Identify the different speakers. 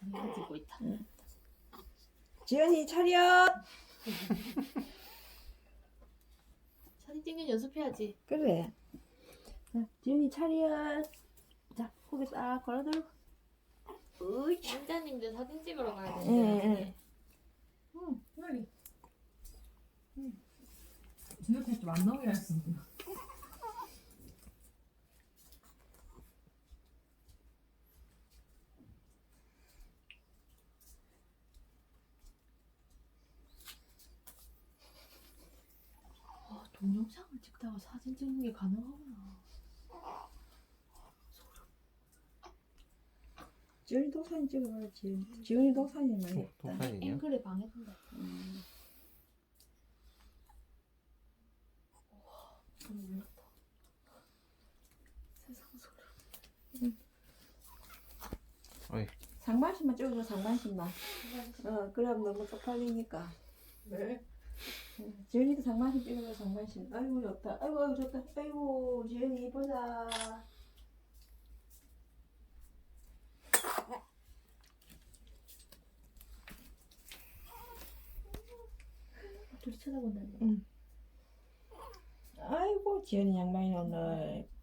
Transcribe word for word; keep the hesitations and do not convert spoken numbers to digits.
Speaker 1: 이거 찍고 있다.
Speaker 2: 응. 지연이 차렷.
Speaker 1: 사진 찍는 연습해야지.
Speaker 2: 그래. 자, 지연이 차렷. 자, 고개 딱 걸어들고. 으이.
Speaker 1: 왕자님들 사진 찍으러 가야
Speaker 2: 응,
Speaker 1: 되는데.
Speaker 3: 응, 빨리. 응. 진짜 테스트 안 나오기라 했었는데.
Speaker 1: 아, 동영상을 찍다가 사진 찍는 게 가능하구나.
Speaker 2: 지연이 독사진 찍어봐야지. 지연이 독사진 많이
Speaker 4: 도-
Speaker 2: 했다.
Speaker 4: 독사진이요?
Speaker 1: 앵글에 방해된다.
Speaker 2: 음.
Speaker 1: 너무 놀랐다. 세상 소리.
Speaker 4: 어이.
Speaker 2: 상반신만 찍어줘, 상반신만. 어, 그럼 너무 쪽팔리니까.
Speaker 3: 왜?
Speaker 2: 응, 지연이도 상반신 찍어줘, 상반신. 아이고, 좋다. 아이고, 아이고, 좋다. 아이고, 지연이 이쁘다.
Speaker 1: 둘이 쳐다본다네.
Speaker 2: 응. 아이고, 지연이 양반이 오늘